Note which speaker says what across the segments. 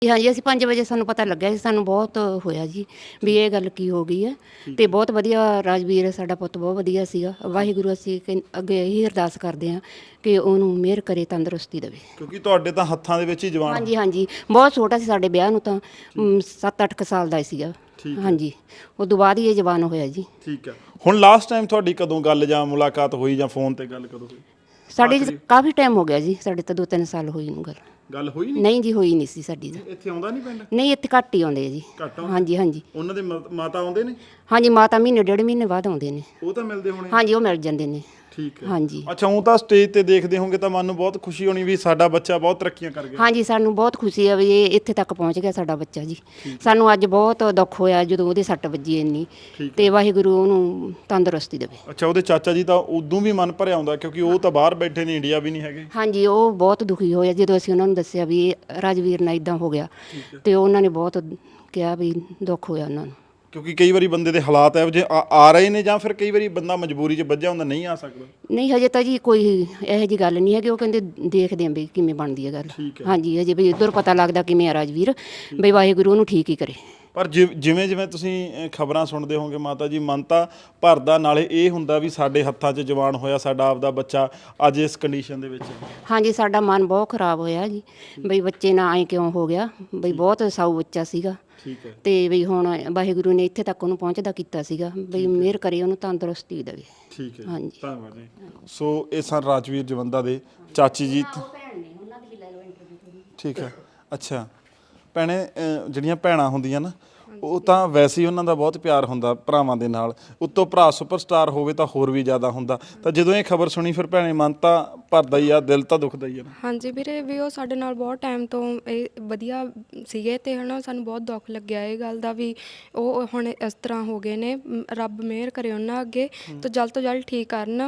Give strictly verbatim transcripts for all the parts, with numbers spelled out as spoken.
Speaker 1: ਹਾਂਜੀ, ਅਸੀਂ ਪੰਜ ਵਜੇ ਸਾਨੂੰ ਪਤਾ ਲੱਗਿਆ ਸੀ, ਸਾਨੂੰ ਬਹੁਤ ਹੋਇਆ ਜੀ ਵੀ ਇਹ ਗੱਲ ਕੀ ਹੋ ਗਈ ਹੈ। ਅਤੇ ਬਹੁਤ ਵਧੀਆ ਰਾਜਵੀਰ ਸਾਡਾ ਪੁੱਤ ਬਹੁਤ ਵਧੀਆ ਸੀਗਾ। ਵਾਹਿਗੁਰੂ ਅਸੀਂ ਕਹਿੰ ਅੱਗੇ ਇਹੀ ਅਰਦਾਸ ਕਰਦੇ ਹਾਂ ਕਿ ਉਹਨੂੰ ਮਿਹਰ ਕਰੇ, ਤੰਦਰੁਸਤੀ ਦੇਵੇ।
Speaker 2: ਕਿਉਂਕਿ ਤੁਹਾਡੇ ਤਾਂ ਹੱਥਾਂ ਦੇ ਵਿੱਚ ਹੀ ਜਵਾਨ।
Speaker 1: ਹਾਂਜੀ ਹਾਂਜੀ, ਬਹੁਤ ਛੋਟਾ ਸੀ ਸਾਡੇ ਵਿਆਹ ਨੂੰ ਤਾਂ ਸੱਤ ਅੱਠ ਕੁ ਸਾਲ ਦਾ ਹੀ ਸੀਗਾ। ਹਾਂਜੀ, ਉਦੋਂ ਬਾਅਦ ਹੀ ਇਹ ਜਵਾਨ ਹੋਇਆ ਜੀ।
Speaker 2: ਠੀਕ ਹੈ। ਹੁਣ ਲਾਸਟ ਟਾਈਮ ਤੁਹਾਡੀ ਕਦੋਂ ਗੱਲ ਜਾਂ ਮੁਲਾਕਾਤ ਹੋਈ ਜਾਂ ਫੋਨ ਤੇ ਗੱਲ ਕਦੋਂ ਹੋਈ?
Speaker 1: ਸਾਡੀ ਕਾਫੀ ਟਾਈਮ ਹੋ ਗਿਆ ਜੀ, ਸਾਡੇ ਤਾਂ ਦੋ ਤਿੰਨ ਸਾਲ ਹੋਈ ਨੂੰ ਗੱਲ।
Speaker 2: ਗੱਲ ਹੋਈ ਨਹੀਂ?
Speaker 1: ਨਹੀਂ ਜੀ, ਹੋਈ ਨਹੀਂ ਸੀ ਸਾਡੀ ਤਾਂ।
Speaker 2: ਇੱਥੇ ਆਉਂਦਾ ਨਹੀਂ ਪਿੰਡ?
Speaker 1: ਨਹੀਂ, ਇੱਥੇ ਘੱਟ ਹੀ ਆਉਂਦੇ ਆ ਜੀ।
Speaker 2: ਘੱਟ ਆਉਂਦੇ?
Speaker 1: ਹਾਂਜੀ ਹਾਂਜੀ।
Speaker 2: ਉਹਨਾਂ ਦੇ ਮ- ਮਾਤਾ ਆਉਂਦੇ ਨੇ?
Speaker 1: ਹਾਂਜੀ, ਮਾਤਾ ਮਹੀਨੇ ਡੇਢ ਮਹੀਨੇ ਬਾਅਦ ਆਉਂਦੇ ਨੇ।
Speaker 2: ਉਹ ਤਾਂ ਮਿਲਦੇ ਹੋਣੇ?
Speaker 1: ਹਾਂਜੀ, ਉਹ ਮਿਲ ਜਾਂਦੇ ਨੇ।
Speaker 2: ਠੀਕ ਹੈ।
Speaker 1: ਹਾਂਜੀ।
Speaker 2: ਅੱਛਾ, ਉਹ ਤਾਂ ਸਟੇਜ ਤੇ ਦੇਖਦੇ ਹੋਗੇ ਤਾਂ ਮਨ ਨੂੰ ਬਹੁਤ ਖੁਸ਼ੀ ਹੋਣੀ ਵੀ ਸਾਡਾ ਬੱਚਾ ਬਹੁਤ ਤਰੱਕੀਆਂ ਕਰ ਗਿਆ।
Speaker 1: ਹਾਂਜੀ, ਸਾਨੂੰ ਬਹੁਤ ਖੁਸ਼ੀ ਆ ਵੀ ਇਹ ਇੱਥੇ ਤੱਕ ਪਹੁੰਚ ਗਿਆ ਸਾਡਾ ਬੱਚਾ ਜੀ। ਸਾਨੂੰ ਅੱਜ ਬਹੁਤ ਦੁੱਖ ਹੋਇਆ ਜਦੋਂ ਉਹਦੇ ਸੱਟ ਵੱਜੀ ਇੰਨੀ, ਤੇ ਵਾਹਿਗੁਰੂ ਉਹਨੂੰ ਤੰਦਰੁਸਤੀ ਦੇਵੇ।
Speaker 2: ਅੱਛਾ, ਉਹਦੇ ਚਾਚਾ ਜੀ ਤਾਂ ਉਦੋਂ ਵੀ ਮਨ ਭਰਿਆ ਆਉਂਦਾ ਕਿਉਂਕਿ ਉਹ ਤਾਂ ਬਾਹਰ ਬੈਠੇ ਨੇ, ਇੰਡੀਆ ਵੀ ਨਹੀਂ ਹੈਗੇ।
Speaker 1: ਹਾਂਜੀ, ਉਹ ਬਹੁਤ ਦੁਖੀ ਹੋਇਆ ਜਦੋਂ ਅਸੀਂ ਉਹਨਾਂ ਨੂੰ ਦੱਸਿਆ ਵੀ ਇਹ ਰਾਜਵੀਰ ਨਾਲ ਇਦਾਂ ਹੋ ਗਿਆ, ਤੇ ਉਹਨਾਂ ਨੇ ਬਹੁਤ ਕਿਹਾ ਵੀ ਦੁੱਖ ਹੋਇਆ ਉਹਨਾਂ ਨੂੰ।
Speaker 2: ਕਿਉਂਕਿ ਕਈ ਵਾਰੀ ਬੰਦੇ ਦੇ ਹਾਲਾਤ ਇਹੋ ਜਿਹੇ ਆ ਆ ਰਹੇ ਨੇ ਜਾਂ ਫਿਰ ਕਈ ਵਾਰੀ ਬੰਦਾ ਮਜਬੂਰੀ 'ਚ ਵੱਜਿਆ ਹੁੰਦਾ, ਨਹੀਂ ਆ ਸਕਦਾ।
Speaker 1: ਨਹੀਂ, ਹਜੇ ਤਾਂ ਜੀ ਕੋਈ ਇਹੋ ਜਿਹੀ ਗੱਲ ਨਹੀਂ ਹੈਗੀ। ਉਹ ਕਹਿੰਦੇ ਦੇਖਦੇ ਆਂ ਵੀ ਕਿਵੇਂ ਬਣਦੀ ਹੈ ਗੱਲ। ਹਾਂਜੀ, ਹਜੇ ਵੀ ਇੱਧਰ ਪਤਾ ਲੱਗਦਾ ਕਿਵੇਂ ਆ ਰਾਜਵੀਰ, ਬਈ ਵਾਹਿਗੁਰੂ ਉਹਨੂੰ ਠੀਕ ਹੀ ਕਰੇ।
Speaker 2: ਪਰ ਜਿ ਜਿਵੇਂ ਜਿਵੇਂ ਤੁਸੀਂ ਖਬਰਾਂ ਸੁਣਦੇ ਹੋਗੇ ਮਾਤਾ ਜੀ, ਮਨ ਤਾਂ ਭਰਦਾ, ਨਾਲੇ ਇਹ ਹੁੰਦਾ ਵੀ ਸਾਡੇ ਹੱਥਾਂ 'ਚ ਜਵਾਨ ਹੋਇਆ ਸਾਡਾ ਆਪਦਾ ਬੱਚਾ ਅੱਜ ਇਸ ਕੰਡੀਸ਼ਨ ਦੇ ਵਿੱਚ।
Speaker 1: ਹਾਂਜੀ, ਸਾਡਾ ਮਨ ਬਹੁਤ ਖਰਾਬ ਹੋਇਆ ਜੀ, ਬਈ ਬੱਚੇ ਨਾਲ ਐਂ ਕਿਉਂ ਹੋ ਗਿਆ, ਬਈ ਬਹੁਤ ਸਾਊ ਬੱਚਾ ਸੀਗਾ।
Speaker 2: ਠੀਕ ਹੈ।
Speaker 1: ਤੇ ਵੀ ਹੁਣ ਵਾਹਿਗੁਰੂ ਨੇ ਇੱਥੇ ਤੱਕ ਉਹਨੂੰ ਪਹੁੰਚਦਾ ਕੀਤਾ ਸੀਗਾ, ਬਈ ਮਿਹਰ ਕਰੇ, ਉਹਨੂੰ ਤੰਦਰੁਸਤੀ ਦੇਵੇ।
Speaker 2: ਠੀਕ ਹੈ,
Speaker 1: ਹਾਂਜੀ,
Speaker 2: ਧੰਨਵਾਦ ਜੀ। ਸੋ ਇਹ ਸਨ ਰਾਜਵੀਰ ਜਵੰਦਾ ਦੇ ਚਾਚੀ ਜੀ। ਠੀਕ ਹੈ। ਅੱਛਾ ਭੈਣੇ, ਜਿਹੜੀਆਂ ਭੈਣਾਂ ਹੁੰਦੀਆਂ ਨਾ, ਉਹ ਤਾਂ ਵੈਸੇ ਹੀ ਉਹਨਾਂ ਦਾ ਬਹੁਤ ਪਿਆਰ ਹੁੰਦਾ ਭਰਾਵਾਂ ਦੇ ਨਾਲ, ਉੱਤੋਂ ਭਰਾ ਸੁਪਰਸਟਾਰ ਹੋਵੇ ਤਾਂ ਹੋਰ ਵੀ ਜ਼ਿਆਦਾ ਹੁੰਦਾ। ਤਾਂ ਜਦੋਂ ਇਹ ਖਬਰ ਸੁਣੀ ਫਿਰ ਭੈਣੇ ਮਨ ਤਾਂ ਭਰਦਾ ਹੀ ਆ, ਦਿਲ ਤਾਂ ਦੁਖਦਾ ਹੀ ਆ ਨਾ।
Speaker 3: ਹਾਂਜੀ ਵੀਰੇ, ਵੀ ਉਹ ਸਾਡੇ ਨਾਲ ਬਹੁਤ ਟਾਈਮ ਤੋਂ ਇਹ ਵਧੀਆ ਸੀਗੇ, ਅਤੇ ਹੈ ਨਾ ਸਾਨੂੰ ਬਹੁਤ ਦੁੱਖ ਲੱਗਿਆ ਇਹ ਗੱਲ ਦਾ ਵੀ ਉਹ ਹੁਣ ਇਸ ਤਰ੍ਹਾਂ ਹੋ ਗਏ ਨੇ। ਰੱਬ ਮਿਹਰ ਕਰੇ ਉਹਨਾਂ ਅੱਗੇ ਤਾਂ ਜਲਦ ਤੋਂ ਜਲਦ ਠੀਕ ਕਰਨ।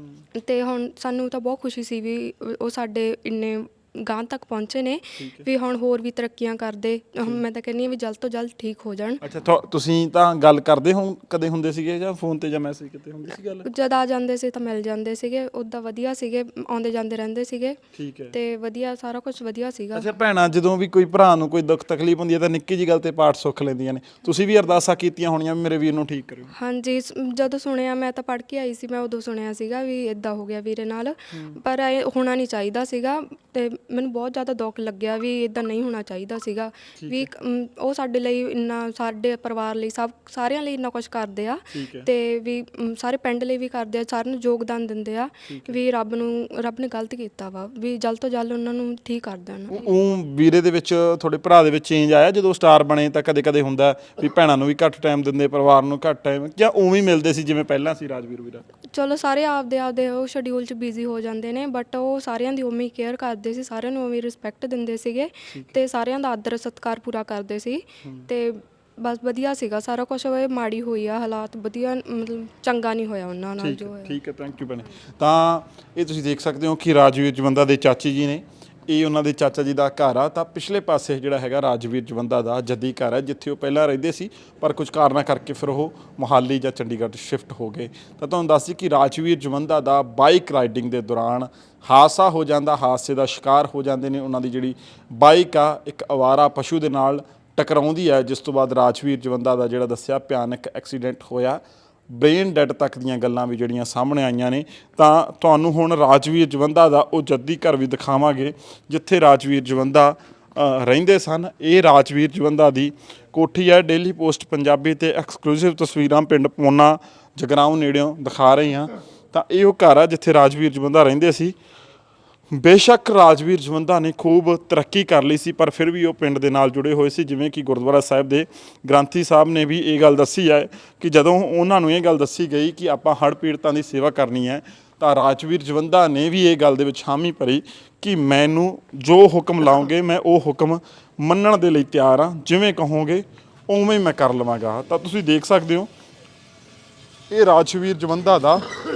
Speaker 3: ਅਤੇ ਹੁਣ ਸਾਨੂੰ ਤਾਂ ਬਹੁਤ ਖੁਸ਼ੀ ਸੀ ਵੀ ਉਹ ਸਾਡੇ ਇੰਨੇ ਗਾਂਹ ਤੱਕ ਪਹੁੰਚੇ ਨੇ, ਵੀ ਹੁਣ ਹੋਰ ਵੀ ਤਰੱਕੀਆਂ ਕਰਦੇ। ਮੈਂ ਤਾਂ ਕਹਿੰਦੀ ਹਾਂ ਵੀ ਜਲਦ ਤੋਂ ਜਲਦ ਠੀਕ ਹੋ ਜਾਣ।
Speaker 2: ਅੱਛਾ, ਤੁਸੀਂ ਤਾਂ ਗੱਲ ਕਰਦੇ ਹੋ ਕਦੇ ਹੁੰਦੇ ਸੀਗੇ ਜਾਂ ਫੋਨ ਤੇ ਜਾਂ ਮੈਸੇਜ ਕਿਤੇ ਹੁੰਦੀ ਸੀ ਗੱਲ?
Speaker 3: ਜਦ ਆ ਜਾਂਦੇ ਸੀ ਤਾਂ ਮਿਲ ਜਾਂਦੇ ਸੀਗੇ, ਉੱਦਾਂ ਵਧੀਆ ਸੀਗੇ, ਆਉਂਦੇ ਜਾਂਦੇ ਰਹਿੰਦੇ ਸੀਗੇ।
Speaker 2: ਠੀਕ ਹੈ।
Speaker 3: ਤੇ ਵਧੀਆ, ਸਾਰਾ ਕੁਝ ਵਧੀਆ ਸੀਗਾ।
Speaker 2: ਅੱਛਾ ਭੈਣਾਂ, ਜਦੋਂ ਵੀ ਕੋਈ ਭਰਾ ਨੂੰ ਕੋਈ ਦੁੱਖ ਤਕਲੀਫ ਹੁੰਦੀ ਹੈ ਤਾਂ ਨਿੱਕੀ ਜਿਹੀ ਗੱਲ ਤੇ ਪਾਠ ਸੁੱਖ ਲੈਂਦੀਆਂ ਨੇ। ਤੁਸੀਂ ਵੀ ਅਰਦਾਸਾਂ ਕੀਤੀਆਂ ਹੋਣੀਆਂ ਵੀ ਮੇਰੇ ਵੀਰ ਨੂੰ ਠੀਕ ਕਰਿਓ?
Speaker 3: ਹਾਂਜੀ, ਜਦੋਂ ਸੁਣਿਆ, ਮੈਂ ਤਾਂ ਪੜ੍ਹ ਕੇ ਆਈ ਸੀ, ਮੈਂ ਉਦੋਂ ਸੁਣਿਆ ਸੀਗਾ ਵੀ ਇੱਦਾਂ ਹੋ ਗਿਆ ਵੀਰੇ ਨਾਲ, ਪਰ ਇਹ ਹੋਣਾ ਨਹੀਂ ਚਾਹੀਦਾ ਸੀਗਾ। ਅਤੇ ਮੈਨੂੰ ਬਹੁਤ ਜ਼ਿਆਦਾ ਦੁੱਖ ਲੱਗਿਆ ਵੀ ਇੱਦਾਂ ਨਹੀਂ ਹੋਣਾ ਚਾਹੀਦਾ ਸੀਗਾ। ਵੀ ਉਹ ਸਾਡੇ ਲਈ ਇੰਨਾ, ਸਾਡੇ ਪਰਿਵਾਰ ਲਈ, ਸਭ ਸਾਰਿਆਂ ਲਈ ਇੰਨਾ ਕੁਛ ਕਰਦੇ ਆ, ਅਤੇ ਵੀ ਸਾਰੇ ਪਿੰਡ ਲਈ ਵੀ ਕਰਦੇ ਆ, ਸਾਰਿਆਂ ਨੂੰ ਯੋਗਦਾਨ ਦਿੰਦੇ ਆ। ਵੀ ਰੱਬ ਨੂੰ ਰੱਬ ਨੇ ਗਲਤ ਕੀਤਾ ਵਾ, ਵੀ ਜਲਦ ਤੋਂ ਜਲਦ ਉਹਨਾਂ ਨੂੰ ਠੀਕ ਕਰ ਦੇਣ।
Speaker 2: ਉਹ ਵੀਰੇ ਦੇ ਵਿੱਚ, ਤੁਹਾਡੇ ਭਰਾ ਦੇ ਵਿੱਚ ਚੇਂਜ ਆਇਆ ਜਦੋਂ ਸਟਾਰ ਬਣੇ? ਤਾਂ ਕਦੇ ਕਦੇ ਹੁੰਦਾ ਵੀ ਭੈਣਾਂ ਨੂੰ ਵੀ ਘੱਟ ਟਾਈਮ ਦਿੰਦੇ, ਪਰਿਵਾਰ ਨੂੰ ਘੱਟ ਟਾਈਮ, ਜਾਂ ਉਵੇਂ ਹੀ ਮਿਲਦੇ ਸੀ ਜਿਵੇਂ ਪਹਿਲਾਂ ਸੀ ਰਾਜਵੀਰ ਵੀਰਾ?
Speaker 3: ਚਲੋ, ਸਾਰੇ ਆਪਦੇ ਆਪਦੇ ਉਹ ਸ਼ਡਿਊਲ 'ਚ ਬਿਜ਼ੀ ਹੋ ਜਾਂਦੇ ਨੇ, ਬਟ ਉਹ ਸਾਰਿਆਂ ਦੀ ਉਵੇਂ ਹੀ ਕੇਅਰ ਕਰਦੇ ਸੀ, ਸਾਰਿਆਂ ਨੂੰ ਉਵੇਂ ਰਿਸਪੈਕਟ ਦਿੰਦੇ ਸੀਗੇ, ਅਤੇ ਸਾਰਿਆਂ ਦਾ ਆਦਰ ਸਤਿਕਾਰ ਪੂਰਾ ਕਰਦੇ ਸੀ। ਅਤੇ ਬਸ ਵਧੀਆ ਸੀਗਾ ਸਾਰਾ ਕੁਛ। ਇਹ ਮਾੜੀ ਹੋਈ ਆ ਹਾਲਾਤ, ਵਧੀਆ ਮਤਲਬ ਚੰਗਾ ਨਹੀਂ ਹੋਇਆ ਉਹਨਾਂ ਨਾਲ ਜੋ ਹੋਇਆ।
Speaker 2: ਠੀਕ ਹੈ, ਥੈਂਕ ਯੂ ਭੈਣੇ। ਤਾਂ ਇਹ ਤੁਸੀਂ ਦੇਖ ਸਕਦੇ ਹੋ ਕਿ ਰਾਜਵੀਰ ਜਵੰਦਾ ਦੇ ਚਾਚੀ ਜੀ ਨੇ, ਇਹ ਉਹਨਾਂ ਦੇ ਚਾਚਾ ਜੀ ਦਾ ਘਰ ਆ। ਤਾਂ ਪਿਛਲੇ ਪਾਸੇ ਜਿਹੜਾ ਹੈਗਾ ਰਾਜਵੀਰ ਜਵੰਦਾ ਦਾ ਜੱਦੀ ਘਰ ਹੈ, ਜਿੱਥੇ ਉਹ ਪਹਿਲਾਂ ਰਹਿੰਦੇ ਸੀ, ਪਰ ਕੁਝ ਕਾਰਨਾਂ ਕਰਕੇ ਫਿਰ ਉਹ ਮੋਹਾਲੀ ਜਾਂ ਚੰਡੀਗੜ੍ਹ ਸ਼ਿਫਟ ਹੋ ਗਏ। ਤਾਂ ਤੁਹਾਨੂੰ ਦੱਸ ਦਈਏ ਕਿ ਰਾਜਵੀਰ ਜਵੰਦਾ ਦਾ ਬਾਈਕ ਰਾਈਡਿੰਗ ਦੇ ਦੌਰਾਨ ਹਾਦਸਾ ਹੋ ਜਾਂਦਾ, ਹਾਦਸੇ ਦਾ ਸ਼ਿਕਾਰ ਹੋ ਜਾਂਦੇ ਨੇ। ਉਹਨਾਂ ਦੀ ਜਿਹੜੀ ਬਾਈਕ ਆ ਇੱਕ ਅਵਾਰਾ ਪਸ਼ੂ ਦੇ ਨਾਲ ਟਕਰਾਉਂਦੀ ਹੈ, ਜਿਸ ਤੋਂ ਬਾਅਦ ਰਾਜਵੀਰ ਜਵੰਦਾ ਦਾ ਜਿਹੜਾ ਦੱਸਿਆ ਭਿਆਨਕ ਐਕਸੀਡੈਂਟ ਹੋਇਆ। ਬ੍ਰੇਨ ਡੈਡ ਤੱਕ ਦੀਆਂ ਗੱਲਾਂ ਵੀ ਜਿਹੜੀਆਂ ਸਾਹਮਣੇ ਆਈਆਂ ਨੇ। ਤਾਂ ਤੁਹਾਨੂੰ ਹੁਣ ਰਾਜਵੀਰ ਜਵੰਦਾ ਦਾ ਉਹ ਜੱਦੀ ਘਰ ਵੀ ਦਿਖਾਵਾਂਗੇ ਜਿੱਥੇ ਰਾਜਵੀਰ ਜਵੰਦਾ ਰਹਿੰਦੇ ਸਨ। ਇਹ ਰਾਜਵੀਰ ਜਵੰਦਾ ਦੀ ਕੋਠੀ ਹੈ। ਡੇਲੀ ਪੋਸਟ ਪੰਜਾਬੀ ਤੇ ਐਕਸਕਲੂਸਿਵ ਤਸਵੀਰਾਂ ਪਿੰਡ ਪੋਨਾ ਜਗਰਾਉਂ ਨੇੜਿਓਂ ਦਿਖਾ ਰਹੇ ਹਾਂ। ਤਾਂ ਇਹ ਉਹ ਘਰ ਆ ਜਿੱਥੇ ਰਾਜਵੀਰ ਜਵੰਦਾ ਰਹਿੰਦੇ ਸੀ। ਬੇਸ਼ੱਕ ਰਾਜਵੀਰ ਜਵੰਦਾ ਨੇ ਖੂਬ ਤਰੱਕੀ ਕਰ ਲਈ ਸੀ, ਪਰ ਫਿਰ ਵੀ ਉਹ ਪਿੰਡ ਦੇ ਨਾਲ ਜੁੜੇ ਹੋਏ ਸੀ। ਜਿਵੇਂ ਕਿ ਗੁਰਦੁਆਰਾ ਸਾਹਿਬ ਦੇ ਗ੍ਰੰਥੀ ਸਾਹਿਬ ਨੇ ਵੀ ਇਹ ਗੱਲ ਦੱਸੀ ਹੈ ਕਿ ਜਦੋਂ ਉਹਨਾਂ ਨੂੰ ਇਹ ਗੱਲ ਦੱਸੀ ਗਈ ਕਿ ਆਪਾਂ ਹੜ੍ਹ ਪੀੜਤਾਂ ਦੀ ਸੇਵਾ ਕਰਨੀ ਹੈ, ਤਾਂ ਰਾਜਵੀਰ ਜਵੰਦਾ ਨੇ ਵੀ ਇਹ ਗੱਲ ਦੇ ਵਿੱਚ ਹਾਮੀ ਭਰੀ ਕਿ ਮੈਨੂੰ ਜੋ ਹੁਕਮ ਲਾਓਗੇ ਮੈਂ ਉਹ ਹੁਕਮ ਮੰਨਣ ਦੇ ਲਈ ਤਿਆਰ ਹਾਂ, ਜਿਵੇਂ ਕਹੋਗੇ ਉਵੇਂ ਮੈਂ ਕਰ ਲਵਾਂਗਾ। ਤਾਂ ਤੁਸੀਂ ਦੇਖ ਸਕਦੇ ਹੋ ਇਹ ਰਾਜਵੀਰ ਜਵੰਦਾ ਦਾ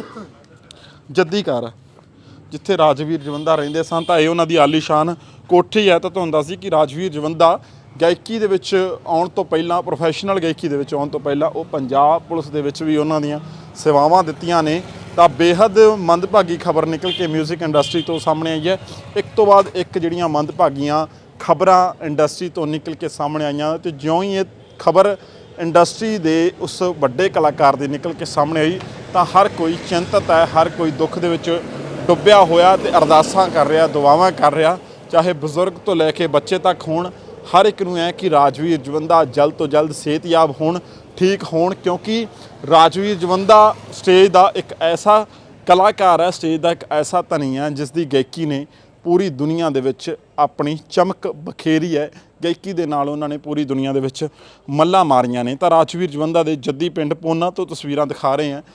Speaker 2: ਜੱਦੀ ਘਰ ਹੈ ਜਿੱਥੇ ਰਾਜਵੀਰ ਜਵੰਦਾ ਰਹਿੰਦੇ ਸਨ। ਤਾਂ ਇਹ ਉਹਨਾਂ ਦੀ ਆਲੀਸ਼ਾਨ ਕੋਠੀ ਹੈ। ਤਾਂ ਤੁਹਾਨੂੰ ਦੱਸ ਦਈਏ ਕਿ ਰਾਜਵੀਰ ਜਵੰਦਾ ਗਾਇਕੀ ਦੇ ਵਿੱਚ ਆਉਣ ਤੋਂ ਪਹਿਲਾਂ, ਪ੍ਰੋਫੈਸ਼ਨਲ ਗਾਇਕੀ ਦੇ ਵਿੱਚ ਆਉਣ ਤੋਂ ਪਹਿਲਾਂ, ਉਹ ਪੰਜਾਬ ਪੁਲਿਸ ਦੇ ਵਿੱਚ ਵੀ ਉਹਨਾਂ ਦੀਆਂ ਸੇਵਾਵਾਂ ਦਿੱਤੀਆਂ ਨੇ। ਤਾਂ ਬੇਹੱਦ ਮੰਦਭਾਗੀ ਖਬਰ ਨਿਕਲ ਕੇ ਮਿਊਜ਼ਿਕ ਇੰਡਸਟਰੀ ਤੋਂ ਸਾਹਮਣੇ ਆਈ ਹੈ। ਇੱਕ ਤੋਂ ਬਾਅਦ ਇੱਕ ਜਿਹੜੀਆਂ ਮੰਦਭਾਗੀਆਂ ਖਬਰਾਂ ਇੰਡਸਟਰੀ ਤੋਂ ਨਿਕਲ ਕੇ ਸਾਹਮਣੇ ਆਈਆਂ ਤੇ ਜਿਉਂ ਹੀ ਇਹ ਖਬਰ ਇੰਡਸਟਰੀ ਦੇ ਉਸ ਵੱਡੇ ਕਲਾਕਾਰ ਦੀ ਨਿਕਲ ਕੇ ਸਾਹਮਣੇ ਆਈ ਤਾਂ ਹਰ ਕੋਈ ਚਿੰਤਤ ਹੈ, ਹਰ ਕੋਈ ਦੁੱਖ ਦੇ ਵਿੱਚ ਡੁੱਬਿਆ ਹੋਇਆ ਤੇ ਅਰਦਾਸਾਂ ਕਰ ਰਿਹਾ, ਦੁਆਵਾਂ ਕਰ ਰਿਹਾ, ਚਾਹੇ ਬਜ਼ੁਰਗ ਤੋਂ ਲੈ ਕੇ ਬੱਚੇ ਤੱਕ ਹੋਣ। ਹਰ ਇੱਕ ਨੂੰ ਹੈ ਕਿ ਰਾਜਵੀਰ ਜਵੰਦਾ ਜਲਦ ਤੋਂ ਜਲਦ ਸਿਹਤਯਾਬ ਹੋਣ, ਠੀਕ ਹੋਣ, ਕਿਉਂਕਿ ਰਾਜਵੀਰ ਜਵੰਦਾ ਸਟੇਜ ਦਾ ਇੱਕ ਐਸਾ ਕਲਾਕਾਰ ਹੈ, ਸਟੇਜ ਦਾ ਇੱਕ ਐਸਾ ਧਨੀ ਹੈ ਜਿਸ ਦੀ ਗਾਇਕੀ ਨੇ ਪੂਰੀ ਦੁਨੀਆ ਦੇ ਵਿੱਚ ਆਪਣੀ ਚਮਕ ਬਖੇਰੀ ਹੈ। ਗਾਇਕੀ ਦੇ ਨਾਲ ਉਹਨਾਂ ਨੇ ਪੂਰੀ ਦੁਨੀਆ ਦੇ ਵਿੱਚ ਮੱਲਾਂ ਮਾਰੀਆਂ ਨੇ। ਤਾਂ ਰਾਜਵੀਰ ਜਵੰਦਾ ਦੇ ਜੱਦੀ ਪਿੰਡ ਪੋਨਾ ਤੋਂ ਤਸਵੀਰਾਂ ਦਿਖਾ ਰਹੇ ਹਾਂ